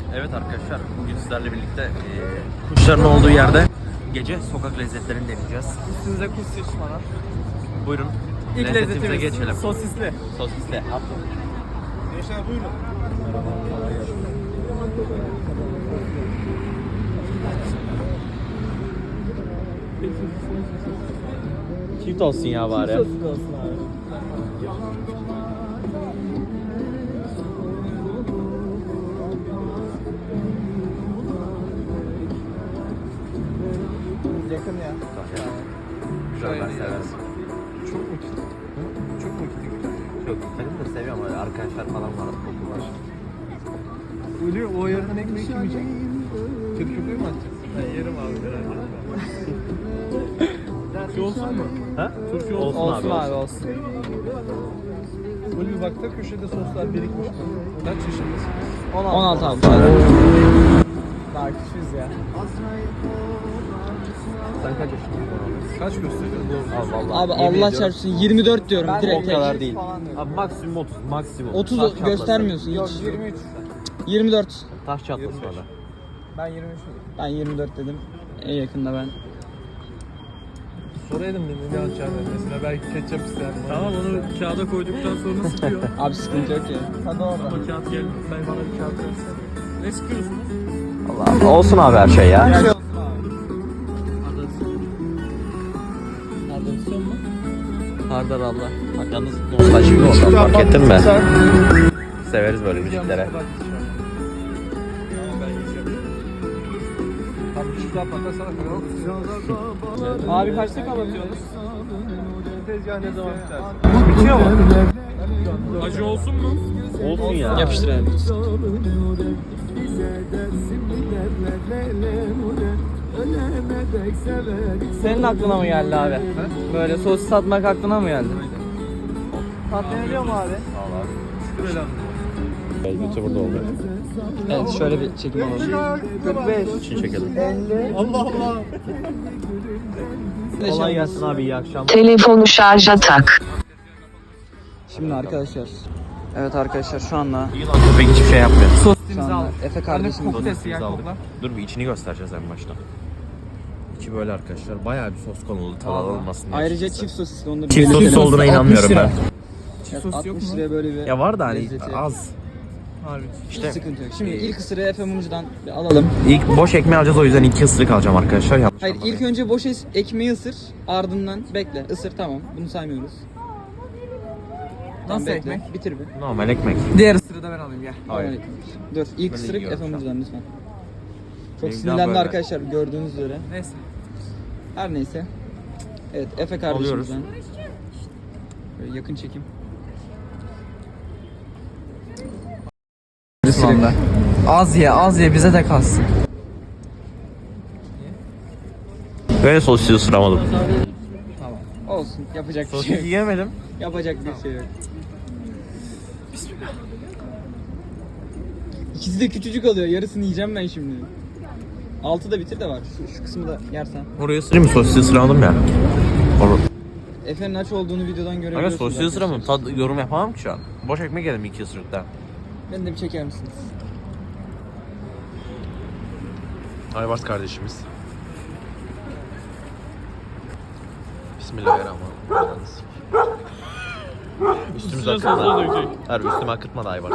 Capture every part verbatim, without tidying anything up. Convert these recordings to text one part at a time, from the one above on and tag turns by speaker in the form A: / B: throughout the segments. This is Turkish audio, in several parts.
A: Evet arkadaşlar, bugün sizlerle birlikte e, kuşların olduğu yerde gece sokak lezzetlerini deneyeceğiz.
B: Üstünüze kuş sıçmadan.
A: Buyurun,
B: İlk
A: lezzetimize
B: lezzetimiz
A: geçelim.
B: sosisli.
A: Sosisli. Atla.
B: Gençler buyurun.
A: Çift olsun ya bari.
B: Sosis olsun abi. Yakın ya.
A: Güzel, ben severim.
B: Çok mu kötü? Çok mu kötü?
A: Çok, benim de seviyorum öyle arkadaşlar falan var, koku var.
B: Ölüyor, o yarıdan ekmeği kim yiyecek? Kedi köpeği mi atacaksın? Ben yerim abi, merak etme. Turşu olsun mu?
A: Ha?
B: Turşu
A: Olsun,
B: olsun,
A: olsun abi,
B: olsun. Böyle bir bakta köşede soslar birikmiş. Kaç yaşındasınız? on altı abi. Daha küçüğüz ya.
A: Sen kaç yaşındasın?
B: Kaç gösteriyor?
A: Al vallahi.
C: Abi Allah çarpsın yirmi dört diyorum
B: Ben
C: direkt.
A: O kadar
C: tek.
A: değil. Abi maksimum otuz, maksimum.
C: otuz
A: Taş çatlasın.
C: göstermiyorsun
B: Yok
C: hiç.
B: yirmi üç.
C: yirmi dört.
A: Taş çatlasın
B: yirmi beş.
A: orada.
B: Ben yirmi üç dedim.
C: Ben yirmi dört dedim. En yakında ben.
B: Soraydım beni ne atacağını. Mesela belki ketçap isterdim. Tamam onu kağıda koyduktan sonra sıkıyor.
C: Abi sıkıntı yok ya.
B: Hadi orada. Ama kağıt gel. Ben bana bir kağıt versene. Ne sıkıyorsunuz?
A: Allah olsun abi her şey ya.
B: Gel.
C: Adresyon mu?
A: Hardar Allah. Bak yalnız nostaljik oldu, fark ettin mi? Severiz böyle müziklere.
B: Tamam ben yiyeceğim. Tamam bir daha patla sana koyalım.
C: Abi kaçta kapatıyorsunuz?
B: Tezgah ne zaman biter? Bitiyor mu? Acı olsun mu?
A: Olsun ya.
C: Yapıştır abi.
D: Senin aklına mı geldi abi?
B: He?
D: Böyle sosis satmak aklına mı geldi?
B: Patlayabiliyor mu abi? Şöyle
A: Elbette burada oldu.
C: Evet şöyle bir çekim alalım.
B: kırk beş.
A: İçini çekelim.
B: Allah Allah.
A: Kolay gelsin abi, iyi akşamlar.
E: Telefonu şarja tak.
C: Şimdi arkadaşlar. Evet arkadaşlar şu anda
A: İyi lan, köpek hiçbir şey yapmıyor.
C: şu
D: Sosisimizi
C: anda
D: aldık.
C: Efe
B: Anne
C: kardeşim
B: koku
A: Sosisimizi
B: sesi ya
A: aldık.
B: kokla.
A: Dur bir içini göstereceğiz en başta. İçi böyle arkadaşlar, bayağı bir sos konulu, tadı olmasın diye.
C: ayrıca
A: açıkçası.
C: çift sosisli onu da
A: Çift
C: belirtelim.
A: sosis olduğuna inanmıyorum ben.
B: Çift sos yok
C: altmış
B: mu?
C: liraya böyle bir
A: Ya var da hani
C: lezzeti.
A: az.
B: Harbi.
C: Hiç
A: İşte
C: sıkıntı yok. Şimdi ilk ısırığı Efe Mumcu'dan bir alalım.
A: ilk boş ekmeği alacağız, o yüzden iki ısırık alacağım arkadaşlar. Yanlış
C: Hayır
A: anlamayın.
C: ilk önce boş es- ekmeği ısır, ardından bekle, ısır tamam. Bunu saymıyoruz. Tamam,
D: Nasıl
C: bekle.
D: ekmek?
C: Bitir bir.
A: Normal ekmek.
D: Diğer ısırığı da ben alayım gel.
C: Normal
A: Hayır.
C: ekmek. Dur ilk
A: Ben de
C: ısırık
A: yiyorum
C: Efe
A: şu an.
C: Mumcu'dan lütfen. Çok
A: Benimki
C: sinirlendi
A: daha böyle.
C: arkadaşlar gördüğünüz üzere.
D: Neyse.
C: Her neyse. Evet Efe
A: Alıyoruz.
C: kardeşimizden. Böyle yakın çekim.
D: Valla. Az ye az ye bize de kalsın.
A: Böyle sosisi ısıramadım.
C: Olsun yapacak bir şey
A: Sosisi
C: yok.
A: yiyemedim.
C: Yapacak bir şey yok. Bismillah. İkisi de küçücük oluyor. Yarısını yiyeceğim ben şimdi. Altı da bitir de var. Şu, şu kısmı da yersen.
A: Oraya ısırayım mı? Sosisi ısıramadım ya. Or
C: Efe'nin aç olduğunu videodan
A: Aga
C: görebiliyorsunuz.
A: sosisi ısıramam. Tad yorum yapamam ki şu an. Boş ekmek yedim iki ısırıkta.
C: Beni de bir çeker misiniz?
A: Aybars kardeşimiz. Bismillahirrahmanirrahim. Üstümüze akıtmadı. Harbi üstüme akıtmadı Aybars.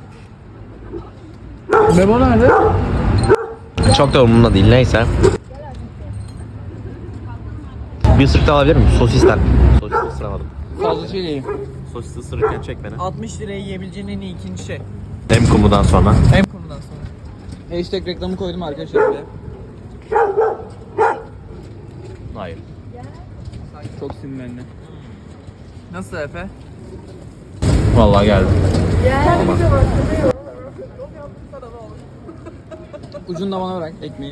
B: Memo nerede?
A: Çok da umurumda değil, neyse. Bir ısırık daha alabilir miyim? Sosisten. Sosis ısıramadım.
C: Fazlasıyla iyi.
A: Sosis ısırırken çek beni.
D: altmış liraya yiyebileceğin en iyi ikinci şey.
A: Hem kumudan sonra.
D: Hem konudan sonra.
C: Hashtag reklamı koydum arkadaşlar buraya.
A: Hayır.
C: Çok sinirlendi.
D: Nasıl Efe?
A: Vallahi geldi.
C: Ucunu da bana bırak ekmeği.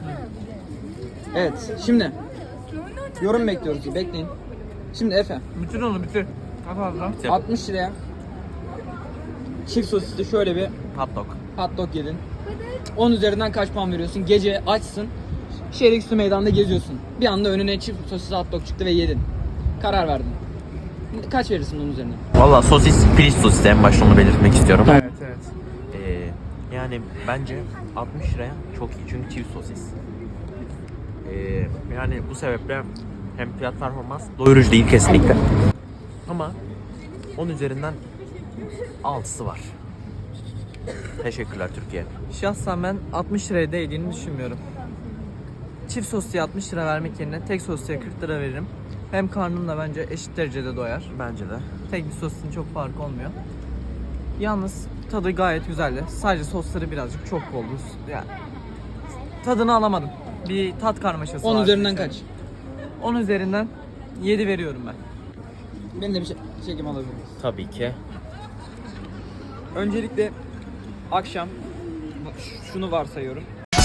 C: Evet şimdi yorum bekliyoruz. Bekleyin. Şimdi Efe
D: Bitir onu bitir. Kaç fazla?
C: altmış liraya çift sosisli şöyle bir
A: Hot dog.
C: hot dog yedin. on üzerinden kaç puan veriyorsun? Gece açsın. Şehirüstü meydanda geziyorsun. Bir anda önüne çift sosisli hot dog çıktı ve yedin. Karar verdin. Kaç verirsin onun üzerine?
A: Valla sosis, piliç sosisi, en başta onu belirtmek istiyorum.
D: Evet evet.
A: Ee, yani Yani bence altmış liraya çok iyi çünkü çift sosis. Ee, yani bu sebeple hem fiyat performans doyurucu değil kesinlikle. Ama on üzerinden altısı var. Teşekkürler Türkiye.
D: Şahsen ben altmış liraya değdiğini düşünmüyorum. Çift sosluya altmış lira vermek yerine tek sosluya kırk lira veririm. Hem karnım da bence eşit derecede doyar.
A: Bence de.
D: Tek bir sosun çok farkı olmuyor. Yalnız tadı gayet güzeldi. Sadece sosları birazcık çok boldu. Yani tadını alamadım. Bir tat karmaşası
C: on
D: var.
C: üzerinden kaç?
D: on üzerinden yedi veriyorum ben.
C: Benim de bir şey, çekim alabilir miyiz?
A: Tabii ki.
C: Öncelikle akşam ş- şunu varsayıyorum.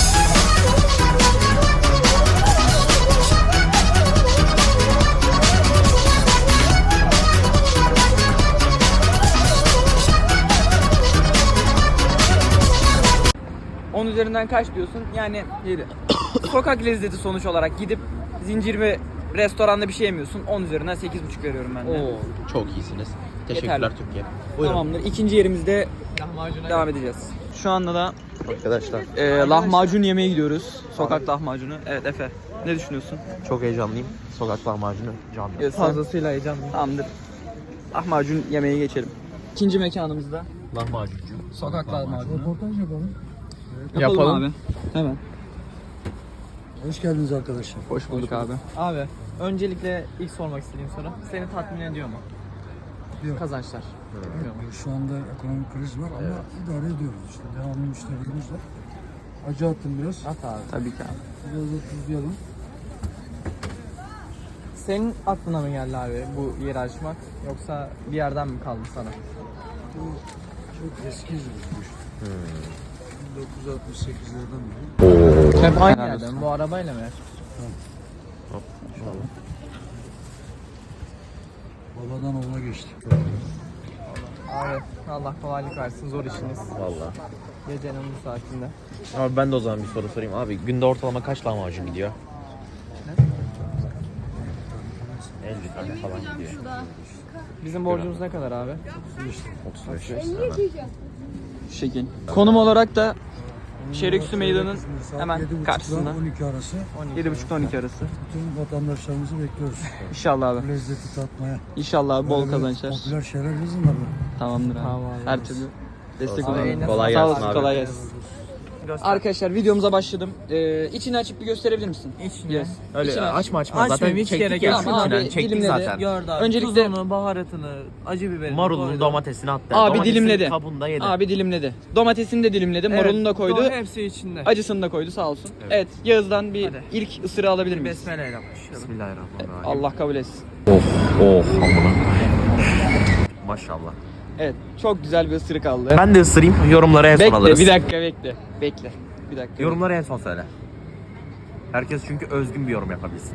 C: on üzerinden kaç diyorsun? Yani yedi. Sokak lezzeti sonuç olarak gidip zincir ve restoranda bir şey yemiyorsun. on üzerinden sekiz buçuk veriyorum ben de.
A: Oo, çok iyisiniz. Teşekkürler
C: Yeterli.
A: Türkiye. Buyurun.
C: Tamamdır. İkinci yerimizde
D: Lahmacuna
C: devam edeceğiz. Şu anda da
A: Arkadaşlar
C: e, lahmacun yemeye gidiyoruz. Sokak lahmacunu. Evet Efe. Ne düşünüyorsun?
A: çok heyecanlıyım. Sokak lahmacunu canlı.
C: Evet, sen-
D: fazlasıyla heyecanlıyım.
C: Tamamdır. Lahmacun yemeye geçelim. İkinci mekanımızda
A: Lahmacuncu.
C: sokak lahmacunu.
B: Röportaj yapalım.
C: Yapalım,
D: Yapalım.
C: abi. Hemen.
B: Hoş geldiniz arkadaşlar.
C: Hoş bulduk abi.
D: Abi öncelikle ilk sormak istediğim soru seni tatmin ediyor mu?
B: Yok.
D: Kazançlar. Bilmiyorum.
B: Şu anda ekonomik kriz var ama idare ediyoruz işte. Devamlı müşterilerimiz var. Acı attım biraz.
D: At abi.
C: Tabii ki abi.
B: Biraz da tuzlayalım.
D: Senin aklına mı geldi abi bu yeri açmak yoksa bir yerden mi kaldı sana?
B: Bu çok eski yüzmüş.
A: Hmm.
B: bin dokuz yüz altmış sekizlerden beri.
D: Hep aynı
C: Helal
D: yerden.
C: olsun.
D: Bu arabayla mı?
B: Babadan oğula geçti.
D: Abi Allah kolaylık versin, zor işiniz.
A: Valla.
D: Gecenin bu saatinde.
A: Abi ben de o zaman bir soru sorayım. Abi günde ortalama kaç lahmacun gidiyor? elli tane falan gidiyor.
D: Bizim borcumuz ne kadar abi?
A: otuz beş.
C: Şu şekil. Konum olarak da Şeriksu Meydanı'nın
B: Saat
C: hemen
B: yedi buçukla
C: karşısında.
B: on iki arası
C: yedi buçuk on iki arası.
B: bütün vatandaşlarımızı bekliyoruz.
C: İnşallah
B: Bu
C: abi.
B: lezzeti tatmaya.
C: İnşallah abi bol
B: Böyle
C: kazançlar.
B: Popüler şeyler yazın da böyle.
C: Tamamdır abi.
D: Tamam abi.
C: Her türlü destek
A: Olsun.
C: olalım.
A: Kolay
C: Sağ
A: gelsin
C: olasın,
A: abi.
C: kolay gelsin. Arkadaşlar videomuza başladım. Ee, içini açıp bir gösterebilir misin?
D: İçini.
C: Yes.
A: Öyle
C: İçini aç.
A: açma açma.
D: Açmayayım,
A: Zaten
D: hiç
A: çektik
D: gerek
A: ya.
D: yok.
C: Tamam abi,
A: Yani çektik
C: dilimledi.
A: zaten.
D: Gördü abi.
C: Öncelikle-
D: Tuzunu, baharatını, acı biberini
A: Marulunu,
D: koydu.
A: domatesini attı.
C: Abi
A: Domatesin
C: dilimledi.
A: Kabuğunu da yedi.
C: Abi dilimledi. Domatesini de dilimledi,
D: Evet,
C: marulunu da koydu.
D: do- Hepsi içinde.
C: Acısını da koydu sağ olsun. Evet,
A: Evet.
C: Yağız'dan bir
D: Hadi.
C: ilk ısırığı alabilir miyiz?
D: Besmele ile başlayalım.
A: Bismillahirrahmanirrahim.
C: Allah kabul etsin.
A: Of of amına. Maşallah.
C: Evet, çok güzel bir ısırık aldı.
A: Ben de ısırayım. Yorumlara en son
C: Bekle,
A: alırız.
C: bir dakika bekle. Bekle. Bir dakika.
A: Yorumları en son söyle. Herkes çünkü özgün bir yorum yapabilsin.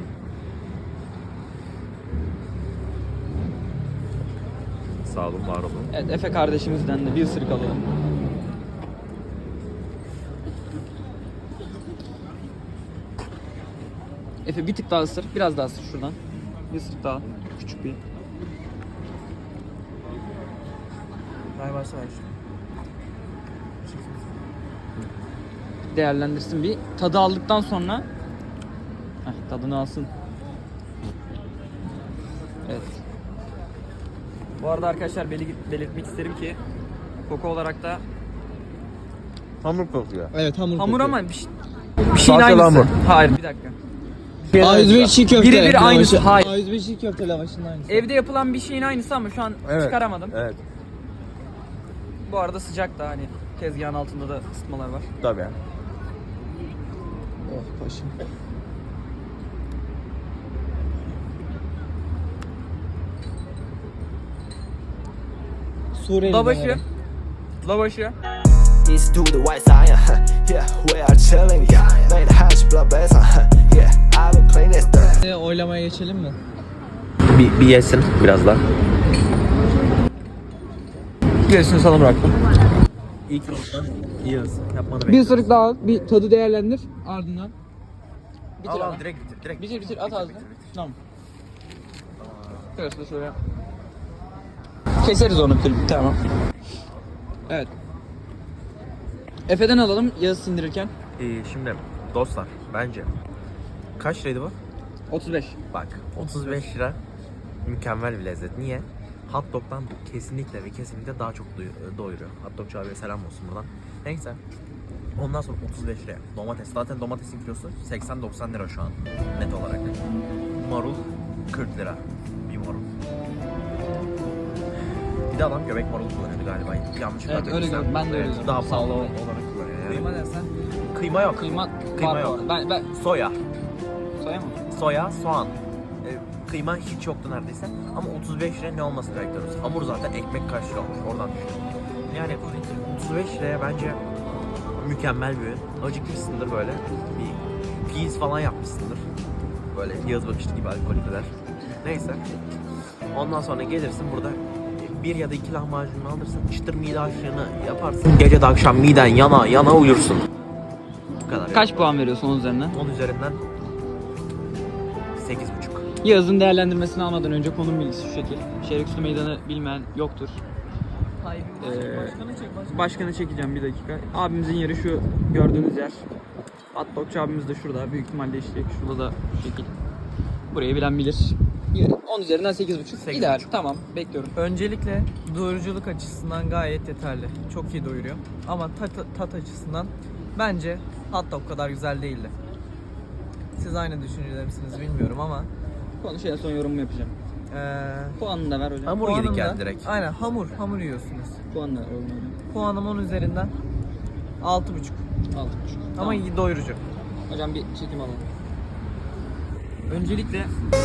A: Sağ olun, var olun.
C: Evet, Efe kardeşimizden de bir ısırık alalım. Efe bir tık daha ısır, biraz daha ısır şuradan. Bir ısırık daha, küçük bir.
D: Ver varsa ver.
C: Değerlendirsin bir. Tadı aldıktan sonra heh, tadını alsın. Evet. Bu arada arkadaşlar beli- belirtmek isterim ki koku olarak da
A: Hamur kokuyor.
C: evet hamur
D: Hamur
C: kokuyor.
D: ama bir, şey, bir şeyin
A: Salçalı
D: aynısı.
A: hamur.
D: Hayır bir dakika.
C: A yüz beş çiğ köfte.
D: Birebir aynısı. Hayır.
C: A yüz beş çiğ köfte lavaşının aynısı.
D: Evde yapılan bir şeyin aynısı ama şu an
A: Evet.
D: çıkaramadım.
A: Evet.
C: Bu arada sıcak da hani tezgahın altında da ısıtmalar var.
A: Tabii.
C: Oh başım. Suriyeli
D: Lavaşı. Lavaşı.
F: East to the white side, huh? Yeah, we are chilling, yeah. Made hash blood base, huh? Yeah, I've been playing this stuff.
C: Oylamaya geçelim mi?
A: Bir, bir yesin biraz daha.
C: Gerisini sana bıraktım.
A: İlk iyi yapmanı
C: Bir
A: bekliyorum.
C: ısırık daha al, bir tadı değerlendir. Ardından bitir
A: Al
C: ama.
A: al direkt bitir. Direkt
C: Bitir bitir at ağzına. Tamam. Şurası da şöyle. Keseriz onu bitir. Tamam. Evet. Efe'den alalım Yağız sindirirken.
A: Ee, şimdi dostlar bence kaç liraydı bu?
C: otuz beş.
A: Bak otuz beş lira mükemmel bir lezzet. Niye? Hot dog'dan kesinlikle ve kesinlikle daha çok doy- doyuruyor. Hot dogçu abiye selam olsun buradan. Neyse. Ondan sonra otuz beş liraya domates. Zaten domatesin kilosu seksen doksan lira şu an net olarak. Marul kırk lira bir marul. Bir de adam göbek marulu kullanıyordu galiba. Yanlış
C: Evet, öyle
A: hatırlamıyorsam.
C: gördüm. Ben de öyle
A: Evet,
C: gördüm.
A: Daha
C: Sağ
A: pahalı
C: ol.
A: olarak kullanıyor yani.
D: Kıyma dersen.
A: Kıyma yok.
C: Kıyma,
A: Kıyma
C: var bu
A: yok.
C: arada. Ben, ben
A: Soya.
C: soya mı?
A: Soya, soğan. E, kıyma hiç yoktu neredeyse. Ama otuz beş liraya ne olması bekliyoruz? Hamur zaten ekmek kaç lira olmuş oradan düşün. Yani otuz beş liraya bence mükemmel bir ürün. Acıkmışsındır böyle. Bir peas falan yapmışsındır. Böyle yaz bakışlı gibi alkolikler. Neyse. Ondan sonra gelirsin burada bir ya da iki lahmacununu alırsın. Çıtır mide aşığını yaparsın. Gece de akşam miden yana yana uyursun. Bu kadar.
C: Kaç puan veriyorsun onun üzerinden?
A: on üzerinden sekiz buçuk.
C: Yağız'ın değerlendirmesini almadan önce konum bilgisi şu şekil. Şehirüstü Meydanı bilmeyen yoktur.
D: Hayır.
C: Ee,
D: Başkanı çek başkanı.
C: Başkanı çekeceğim bir dakika. Abimizin yeri şu gördüğünüz yer. Hot dogçu abimiz de şurada. Büyük ihtimalle işte şurada da şu şekil. Burayı bilen bilir. on üzerinden sekiz buçuk.
A: sekiz
C: İdeal.
A: buçuk.
C: Tamam. Bekliyorum.
D: Öncelikle doyuruculuk açısından gayet yeterli. Çok iyi doyuruyor. Ama tat, tat açısından bence hot dog kadar güzel değildi. Siz aynı düşüncede misiniz bilmiyorum ama
C: Konuş en son yorumumu yapacağım.
D: eee
C: Puanını da ver hocam.
A: Hamur
D: puanım
A: yedik
D: da-
A: yani direkt.
D: Aynen hamur hamur yiyorsunuz.
C: Puanını da ver hocam.
D: Puanım on üzerinden altı buçuk.
C: altı buçuk.
D: Ama
C: Tamam.
D: iyi doyurucu.
C: Hocam bir çekim alalım. Öncelikle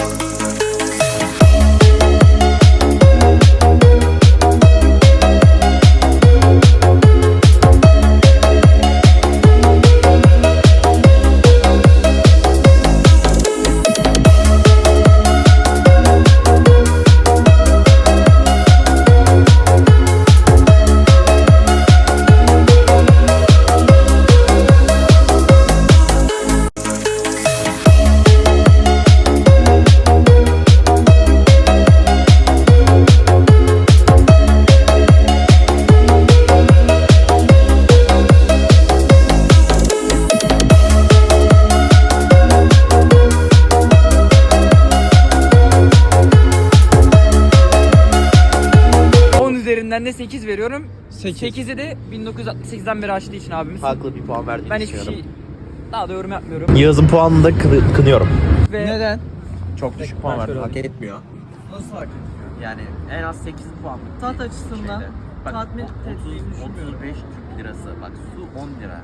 C: on üzerinden de sekiz veriyorum. sekizi de bin dokuz yüz altmış sekizden beri açtığı için abimiz.
A: Haklı bir puan verdiğini
C: Ben hiçbir
A: düşünüyorum.
C: şey daha da yorum yapmıyorum.
A: Yağız'ın puanını da kı- kınıyorum.
C: Ve
D: Neden?
A: Çok düşük puan verdi. Hak etmiyor.
D: Nasıl hak?
A: Yani en az sekiz puan.
D: Tat açısından
A: Şeyde. Bak,
D: tatmin
A: otuz,
D: ettiğini düşünmüyorum.
A: otuz beş Türk lirası. Bak su on lira.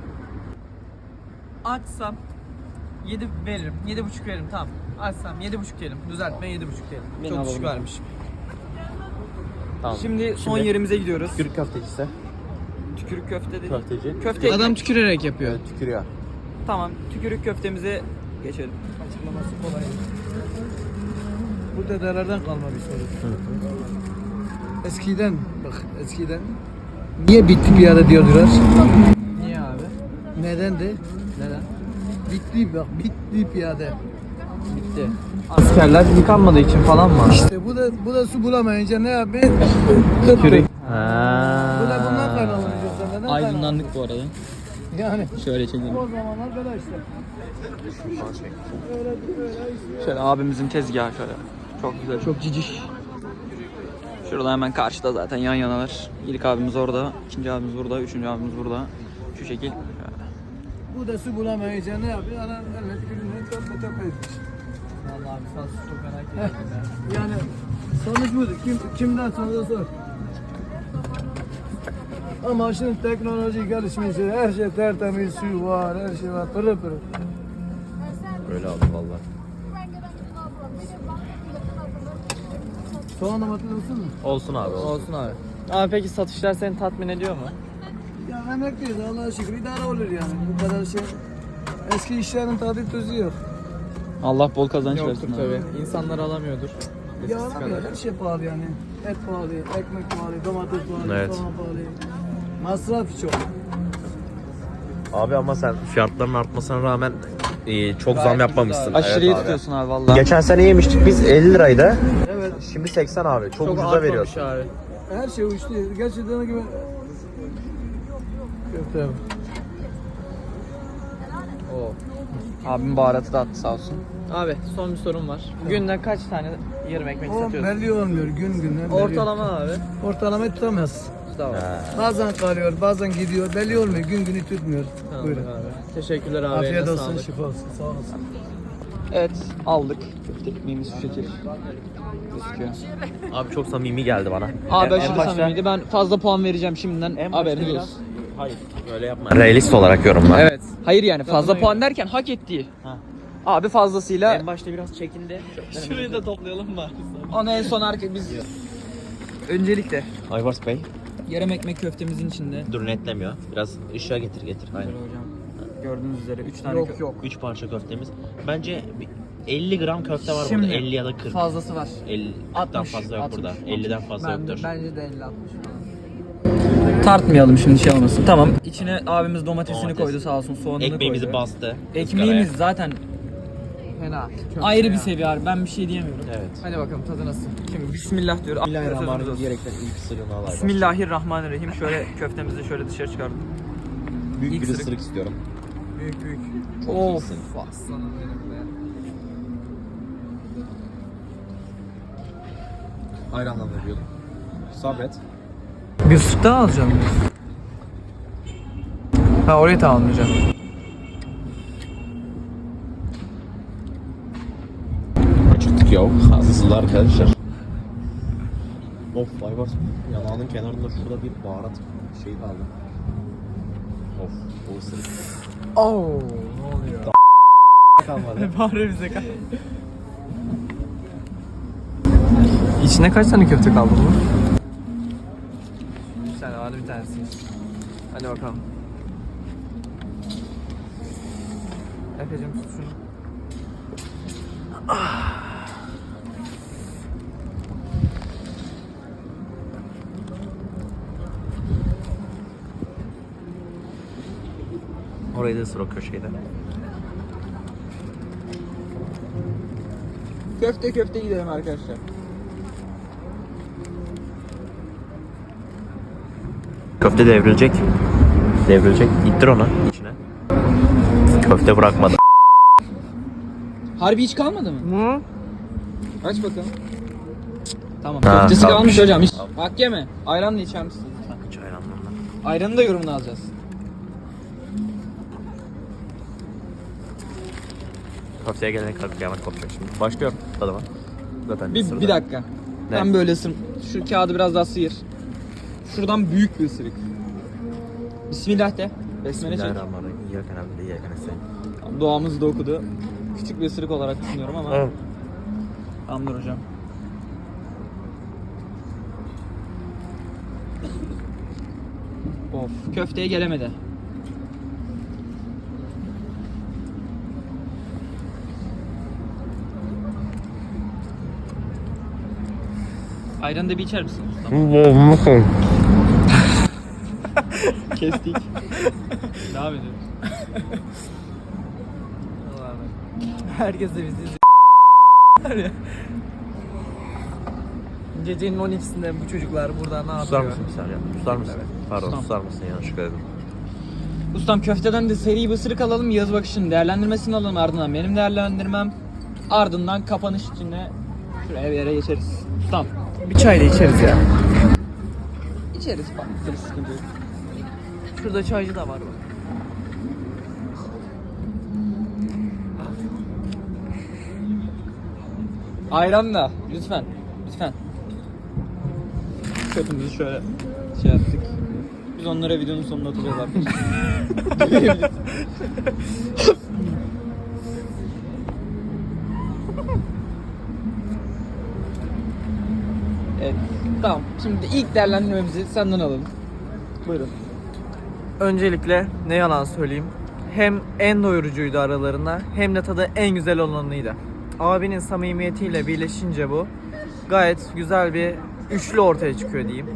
D: Açsam yedi veririm. yedi buçuk veririm tamam. Açsam yedi buçuk diyelim. Düzeltme yedi buçuk diyelim.
C: Beni
D: Çok düşük
C: alalım.
D: vermişim.
A: Tamam.
C: şimdi son
A: Şimdi-
C: yerimize gidiyoruz.
A: Tükürük köftecisi.
C: Tükürük köfte dedi.
A: Köfteci.
C: Köfte
B: Adam tükürerek yapıyor.
A: Evet, tükürüyor.
C: Tamam. Tükürük köftemize geçelim.
D: Açıklaması kolay.
B: Bu dedelerden kalma bir soru. Eskiden bak eskiden niye bitti piyade diyordular?
D: Niye abi?
B: Nedendi?
D: Neden?
B: Bitti bak bitti piyade.
D: Bitti. Askerler yıkanmadığı için falan mı?
B: İşte bu da bu da su bulamayınca ne yapıyor? Kırk. Bu da bundan kaynaklanıyor. Neden
C: Aydınlandık bu arada.
B: kaynaklanıyor? Yani
C: Şöyle çekelim.
B: o zamanlar böyle işte. Öyle öyle işte.
C: Şöyle abimizin tezgahı şöyle. Çok güzel, çok ciciş. Şurada hemen karşıda zaten yan yanalar. İlk abimiz orada, ikinci abimiz burada, üçüncü abimiz burada. Şu şekil.
B: Bu da su bulamayınca ne yapıyor? Ana elle tükürüğünü töpe töpe etmiş.
D: Vallahi abi sağ çok merak ettim ya.
B: Yani sonuç budur. Kim, kimden sonra sor. Ama şimdi teknoloji gelişmiş, her şey tertemiz, su var, her şey var, pırıl pırıl.
A: Öyle aldım valla.
B: Soğan domates olsun mu?
A: Olsun abi olsun.
D: Olsun abi. Abi peki satışlar seni tatmin ediyor mu?
B: Ya emekliyiz Allah'a şükür idare olur yani. Bu kadar şey. Eski işlerin tadı tuzu yok.
C: Allah bol kazanç
D: Yoktur
C: versin. abi.
D: tabii. İnsanlar alamıyordur.
B: Ya
D: Eskisi kadar.
B: her şey pahalı yani. Et pahalı, ekmek pahalı, domates pahalı,
A: Evet.
B: soğan pahalı. Masraf çok.
A: Abi ama sen fiyatların artmasına rağmen e, çok zam yapmamışsın.
C: Aşırıya
A: Evet abi.
C: tutuyorsun abi vallahi.
A: Geçen sene yemiştik biz elli liraydı.
B: Evet.
A: Şimdi seksen abi. Çok,
D: Çok
A: ucuza
D: artmamış
A: veriyorsun.
D: abi.
B: Her şey uçtu. Gerçekten gibi Köfte.
C: Oo. Abim baharatı da attı sağ olsun.
D: Abi son bir sorum var. Günde kaç tane yarım ekmek
B: O
D: satıyorsun?
B: belli olmuyor gün güne. belli.
D: Ortalama abi.
B: Ortalama tutamaz.
D: Tamam.
B: Bazen kalıyor, bazen gidiyor. Belli olmuyor. Gün günü tutmuyor.
D: Tamam
B: Buyurun.
D: abi. Teşekkürler abi.
B: Afiyet
D: eline
B: olsun,
D: sağlık.
B: şifa olsun. Sağ olasın.
C: Evet aldık. Köfte ekmeğimiz şu şekil. Gözüküyor.
A: Abi çok samimi geldi bana.
C: Abi
A: En- en
C: aşırı
A: başta-
C: samimiydi. Ben fazla puan vereceğim şimdiden.
A: en başta
C: Haberiniz
A: biraz-
C: olsun.
A: Hayır öyle yapma. Realist olarak yorumla.
C: Evet. Hayır yani fazla puan derken hak ettiği.
A: Ha.
C: Abi fazlasıyla
A: En başta biraz çekindi.
D: Şurayı da toplayalım mı?
C: onu en son arka biz öncelikle
A: Ayvars Bey.
C: yarım ekmek köftemizin içinde.
A: Dur netlemiyor. Biraz ışığa getir getir. Aynen.
C: Böyle hocam. Gördüğünüz üzere üç tane
B: Yok
C: kö-
B: yok.
A: üç parça köftemiz. Bence bir elli gram köfte var
C: Şimdi
A: burada. elli ya da kırk.
C: fazlası var.
A: elli'den
C: altmış,
A: fazla yok
C: altmış.
A: burada. elliden fazla
C: Ben de,
A: yoktur.
C: bence de elli altmış falan. Tartmayalım şimdi şey olmasın. Tamam. İçine abimiz domatesini
A: Domates.
C: koydu sağ olsun, soğanını
A: Ekmeğimizi
C: koydu.
A: bastı.
C: Ekmeğimiz zaten
B: Fena.
C: ayrı bir seviye abi. Ben bir şey diyemiyorum.
A: Evet.
C: Hadi bakalım tadı nasıl? Şimdi bismillah diyor.
A: Bismillahirrahmanirrahim diyerekten ilk ısırığını al Ayvars.
C: Bismillahirrahmanirrahim. Şöyle köftemizi şöyle dışarı çıkardım.
A: Büyük
C: İlk
A: bir
C: ısırık.
A: ısırık istiyorum.
C: Büyük büyük.
A: Çok
C: Of.
A: iyisin.
C: Aslanım benim be.
A: Ayranla veriyordum. Sabret.
B: Bir ısık daha alacağım. Ha orayı tamamlayacağım.
A: Acıktık ya. Hızlı arkadaşlar. Of Ayvars. Yanağının kenarında şurada bir baharat şey kaldı. Of. O ısırık.
B: Oo, ne oluyor?
A: Kalmadı.
D: Bari bize kal. İçinde kaç tane köfte kaldı bu? Bir tane vardı bir tanesi. Hadi bakalım. Efe'cim tut şunu.
A: Orayı da ısır o köşeyi de.
C: Köfte köfte gidelim arkadaşlar.
A: Köfte devrilecek. Devrilecek. İttir onu içine. Köfte bırakmadı.
C: Harbi hiç kalmadı mı?
D: Hı?
C: Aç bakalım. Tamam.
A: Ha,
C: Köftesi
A: kalmış.
C: kalmış hocam. Hiç. Bak yeme. Ayran da içer misin lütfen?
A: Hiç ayranla.
C: Ayranı da yorumunu alacağız.
A: Köfteye gelene kadar kıyamet kopacak şimdi. Başlıyorum tadıma. Zaten
C: Bir,
A: sırada.
C: bir dakika.
A: Ne?
C: Ben böyle ısır. Şu kağıdı biraz daha sıyır. Şuradan büyük bir ısırık. Bismillah de. Besmele çek.
A: Bismillahirrahmanirrahim. İyyâken na'budu ve iyyâke nestaîn.
C: Tamam, duamızı da okudu. Küçük bir ısırık olarak düşünüyorum ama.
A: Evet.
C: Tamamdır hocam. Of, köfteye gelemedi. Ayranı da bir içer misin ustam? Kestik. Devam ediyoruz.
D: Herkes de bizi izliyor. Gecenin on ikisinde bu çocuklar burada ne
A: Susar
D: yapıyor?
A: mısın bir saniye? Susar mısın? Pardon
C: Susam.
A: susar mısın? Yanlışlıkla dedim.
C: Ustam köfteden de seri bir ısırık alalım, Yağız Bakış'ın değerlendirmesini alalım, ardından benim değerlendirmem, ardından kapanış içinde şuraya bir yere geçeriz. Ustam.
D: Bir çay da içeriz ya.
C: İçeriz bak, bir sıkıntı yok.
D: Şurada çaycı da var bak.
C: Ayran da lütfen, lütfen. Köpümüzü şöyle şey yaptık. Biz onlara videonun sonuna atacağız arkadaşlar. Evet, tamam. Şimdi ilk değerlendirmemizi senden alalım. Buyurun.
D: Öncelikle ne yalan söyleyeyim. Hem en doyurucuydu aralarında hem de tadı en güzel olanıydı. Abinin samimiyetiyle birleşince bu gayet güzel bir üçlü ortaya çıkıyor diyeyim.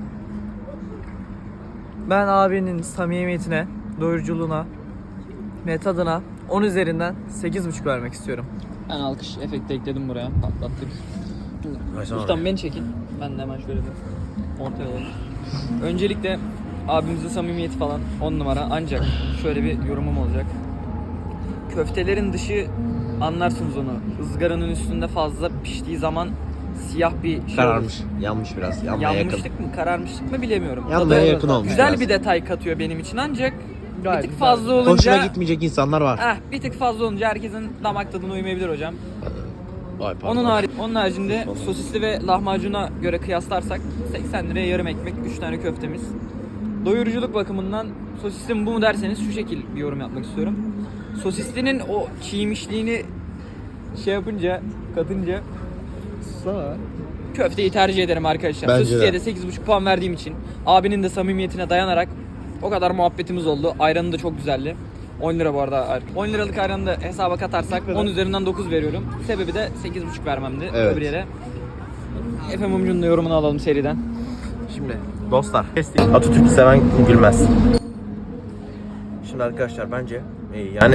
D: Ben abinin samimiyetine, doyuruculuğuna ve tadına on üzerinden sekiz buçuk vermek istiyorum.
C: Ben alkış efekti ekledim buraya. Patlattık.
A: Versene
C: Ustam
A: oraya.
C: beni çekin. Ben de hemen şöyle bir ortaya alalım. Öncelikle Abimizin samimiyeti falan on numara. Ancak şöyle bir yorumum olacak. Köftelerin dışı anlarsınız onu. Izgaranın üstünde fazla piştiği zaman siyah bir şey
A: Kararmış.
C: olur.
A: Yanmış biraz. Yanmaya yakın.
C: Yanmışlık mı, kararmışlık mı bilemiyorum.
A: Yanmaya
C: Tadı
A: yakın olmuş
C: güzel
A: biraz.
C: bir detay katıyor benim için ancak
B: Gayet
C: bir tık
B: güzel.
C: fazla olunca
A: Hoşuna gitmeyecek insanlar var.
C: eh, bir tık fazla olunca herkesin damak tadına uymayabilir hocam.
A: Vay pardon.
C: Onun harici, onun haricinde sosisli ve lahmacuna göre kıyaslarsak seksen liraya yarım ekmek, üç tane köftemiz. Doyuruculuk bakımından sosisli mi bu mu derseniz şu şekil bir yorum yapmak istiyorum. Sosislinin o çiğmişliğini şey yapınca, katınca
B: Sana.
C: köfteyi tercih ederim arkadaşlar.
A: Bence
C: Sosisliye
A: de.
C: de sekiz buçuk puan verdiğim için abinin de samimiyetine dayanarak o kadar muhabbetimiz oldu. Ayranı da çok güzeldi. on lira bu arada. on liralık ayranı da hesaba katarsak on üzerinden dokuz veriyorum. Sebebi de sekiz buçuk vermemdi.
A: Evet.
C: Öbür yere. Efe Mumcu'nun da yorumunu alalım seriden.
A: Şimdi dostlar, Atatürk'ü seven gülmez. Şimdi arkadaşlar bence e, yani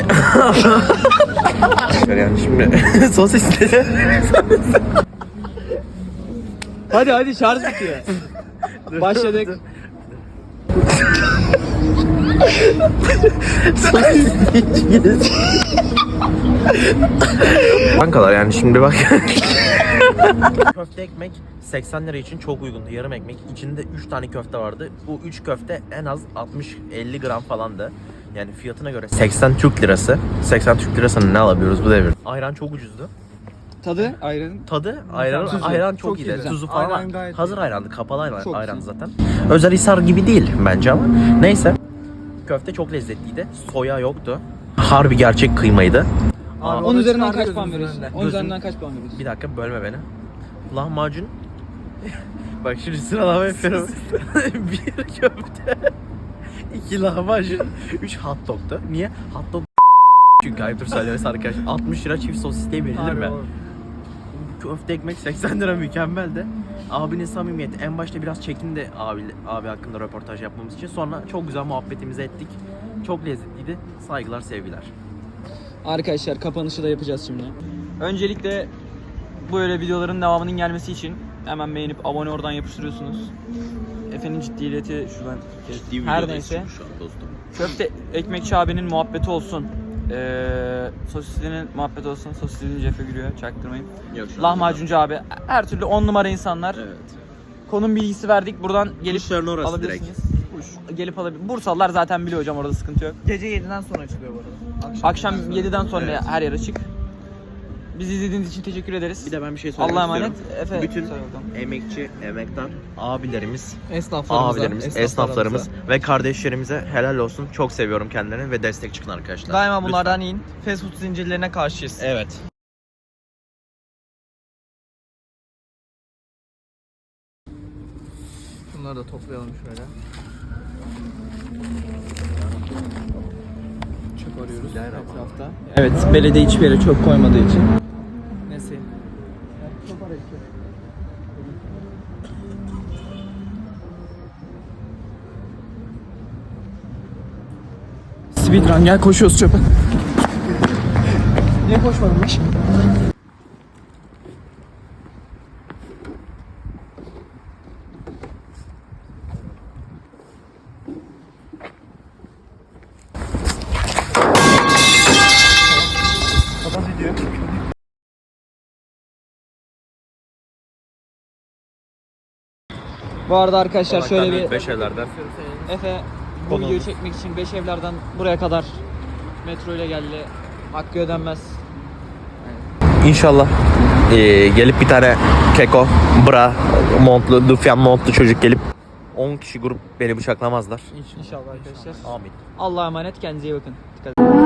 A: yani şimdi sosisleri
C: Hadi hadi şarj bitiyor. Başladık.
A: Kankalar yani şimdi bak. Köfte ekmek seksen lira için çok uygundu. Yarım ekmek. İçinde üç tane köfte vardı. Bu üç köfte en az altmış elli gram falandı. Yani fiyatına göre seksen Türk lirası. seksen Türk lirasını ne alabiliyoruz bu devir? Ayran çok ucuzdu.
C: Tadı ayranın.
A: Tadı ayran,
C: Tuzu.
A: ayran çok,
C: Çok
A: iyiydi.
C: güzel.
A: Tuzu falan
B: Ayran gayet
A: hazır ayrandı. Kapalı ayran,
C: Çok
A: ayran
C: güzel.
A: zaten. Özelhisar gibi değil bence ama. Neyse. Köfte çok lezzetliydi. Soya yoktu. Harbi gerçek kıymaydı. Aa,
C: on
B: onu
C: üzerinden
B: çıkardı
C: kaç puan
B: gözümüzün
C: veriyorsun?
B: önünde.
C: on üzerinden kaç puan veriyorsun?
A: Bir dakika bölme beni. Lahmacun. Bak şimdi sıralama yapıyorum. Bir köfte. iki lahmacun. Üç hot dog'tu. Niye? Hot dog çünkü ayıptır söylemesi arkadaşlar. altmış lira çift sosis diye verilir mi? Köfte ekmek seksen lira mükemmeldi. Abinin samimiyeti. En başta biraz çekindi abi, abi hakkında röportaj yapmamız için. Sonra çok güzel muhabbetimizi ettik. Çok lezzetliydi. Saygılar, sevgiler.
C: Arkadaşlar kapanışı da yapacağız şimdi. Öncelikle böyle videoların devamının gelmesi için hemen beğenip abone oradan yapıştırıyorsunuz. Efe'nin ciddiyeti şuradan. Her neyse. Köfte ekmekçi abinin muhabbeti olsun. Ee, sosislinin muhabbeti olsun. Sosislinin Cefe gülüyor. Çaktırmayın.
A: Yok,
C: Lahmacuncu abi. Her türlü on numara insanlar.
A: Evet.
C: Konum bilgisi verdik. Buradan gelip
A: Kuşların orası
C: alabilirsiniz. Kuş. Gelip alabilir. Bursalılar zaten biliyor hocam, orada sıkıntı yok.
B: Gece yediden sonra açılıyor bu arada. Akşam,
C: Akşam yediden sonra
A: Evet.
C: her yer açık. Bizi izlediğiniz için teşekkür ederiz.
A: Bir de ben bir şey söylemek
C: Allah'a emanet.
A: istiyorum.
C: Efe,
A: Bütün
C: söyle bakalım.
A: emekçi, emektar abilerimiz,
B: Esnaflarımıza,
A: abilerimiz, esnaflarımız ve kardeşlerimize helal olsun. Çok seviyorum kendilerini ve destek çıkın arkadaşlar.
D: Daima
A: Lütfen.
D: bunlardan yiyin. Fast food zincirlerine karşıyız.
A: Evet.
B: Bunları da toplayalım şöyle. Çöp arıyoruz etrafta.
C: Evet, belediye hiçbir yere çöp koymadığı için.
B: Nesi?
C: Speedrun gel, koşuyoruz çöpe.
B: Niye koşmadınmış?
C: Bu arada arkadaşlar şöyle bir
A: beş evlerden.
C: Efe bu
A: Konumuz.
C: videoyu çekmek için beş evlerden buraya kadar metro ile geldi. Hakkı ödenmez.
A: İnşallah eee, gelip bir tane keko, bra, montlu, dufyan montlu çocuk gelip on kişi grup beni bıçaklamazlar.
C: İnşallah arkadaşlar.
A: Amin.
C: Allah'a emanet, kendinize iyi bakın. Dikkat edin.